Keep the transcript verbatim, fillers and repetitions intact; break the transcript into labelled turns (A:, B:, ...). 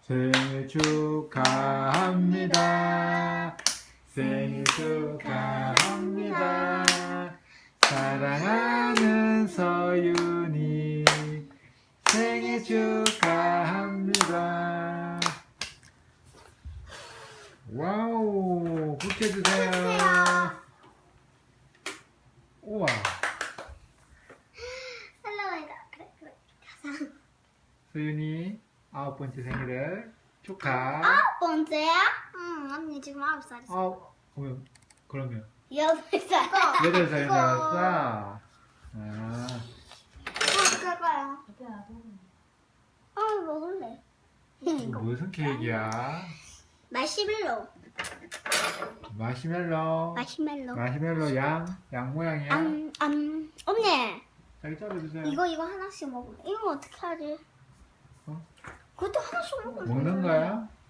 A: 생일 축하합니다. 생일 축하합니다. 사랑하는 서윤이 생일 축하합니다. 와우, 부케 주세요. 우와.
B: 할로윈이다. 그래 그래. 가자.
A: 서윤이 아홉 번째 생일을 축하.
B: 아홉 번째야? 응, 언니 지금 아홉 살이었어.
A: 아홉, 그러면, 그러면
B: 여덟 살.
A: 여덟 살이
B: 이거.
A: 나왔어. 아,
B: 어, 그거야. 어, 먹을래.
A: 이거 무슨 케이크야?
B: 마시멜로.
A: 마시멜로.
B: 마시멜로.
A: 마시멜로 양, 양 모양이야.
B: 음, 음, 언니.
A: 자기 잘라주세요.
B: 이거 이거 하나씩 먹을래. 이거 어떻게 하지?
A: 어?
B: 그것도 하나씩 먹을래.
A: 먹는 거야?